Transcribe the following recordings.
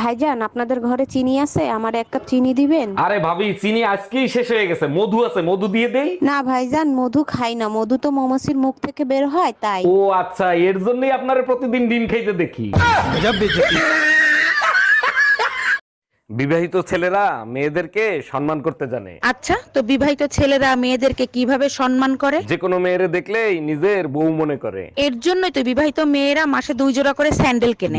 ভাইজান, আপনাদের ঘরে চিনি আছে? আমার এক কাপ চিনি দিবেন? আরে ভাবি, চিনি আজকেই শেষ হয়ে গেছে। মধু আছে, মধু দিয়ে দেই। না ভাইজান, মধু খাই না। মধু তো মৌমাছির মুখ থেকে বের হয়, তাই। ও আচ্ছা, এর জন্যই আপনারা প্রতিদিন ডিম খাইতে দেখি। বিবাহিত ছেলেরা মেয়েদেরকে সম্মান করতে জানে। আচ্ছা, তো বিবাহিত ছেলেরা মেয়েদেরকে কিভাবে সম্মান করে? যে কোনো মেয়েরে দেখলেই নিজের বউ মনে করে। এর জন্যই তো বিবাহিত মেয়েরা মাসে 2 জোড়া করে স্যান্ডেল কেনে।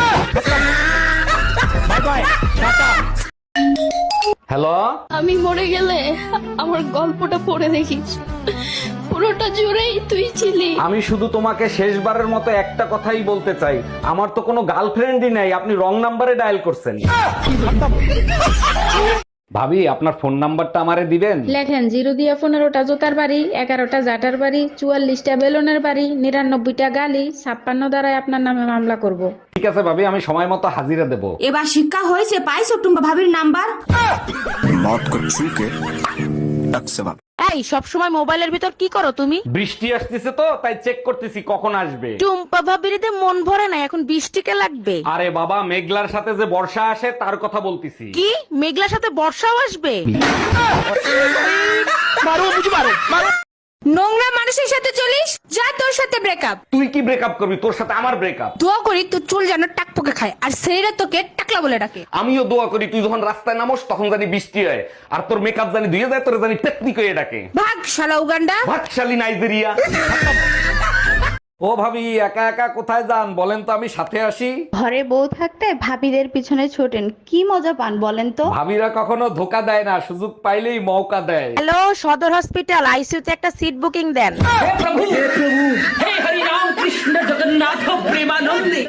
হ্যালো, আমি মরে গেলে আমার গল্পটা পড়ে দেখিস, পুরোটা জুড়েই তুই ছিলি। আমি শুধু তোমাকে শেষবারের মতো একটা কথাই বলতে চাই, আমার তো কোনো গার্লফ্রেন্ডই নাই, আপনি রং নাম্বারে ডায়াল করছেন। ভাবি, আপনার ফোন নাম্বারটা আমারে দিবেন? লেখেন 0 দিয়া 15টা জোতার বাড়ি, 11টা জাটার বাড়ি, 44টা বেলুনের বাড়ি, 99টা গালি, 56 দ্বারাই আপনার নামে মামলা করব। ঠিক আছে ভাবি, আমি সময় মতো হাজিরা দেব। এবার শিক্ষা হয়েছে, পাইছো টুম্পা ভাবির নাম্বার? मौत को छू के टक से भाग। এই সব সময় মোবাইলের ভিতর কি করো তুমি? বৃষ্টি আসতেছে তো তাই চেক করতেছি কখন আসবে। টুম্পা ভাবিরিতে মন ভরে না, এখন বৃষ্টিকে লাগবে। আরে বাবা, মেঘলার সাথে যে বর্ষা আসে তার কথা বলতেছি। কি মেঘলার সাথে বর্ষাও আসবে? নোংরা মানুষের সাথে চলিস, যা তোর সাথে ব্রেকআপ। তুই কি ব্রেকআপ করবি? তোর সাথে আমার ব্রেকআপ। দোয়া করি তোর চুল যেন টাকপোকে খায়, আর সেইরা তোকে টাকলা বলে ডাকে। আমিও দোয়া করি তুই যখন রাস্তায় নামোস তখন জানি বৃষ্টি হয়, আর তোর মেকআপ জানি ধুয়ে যায়, তোর জানি টেকনিক হয়ে ডাকে। ভাগ শালা উগান্ডা। ভাতশালী নাইজেরিয়া। ও ভাবি, একা একা কোথায় যান বলেন তো, আমি সাথে আসি। ঘরে বউ থাকতে ভাবিদের পিছনে ছোটেন, কি মজা পান বলেন তো? ভাবিরা কখনো ধোকা দেয় না, সুযোগ পাইলেই মৌকা দেয়। হ্যালো, সদর হসপিটাল আইসিইউতে একটা সিট বুকিং দেন।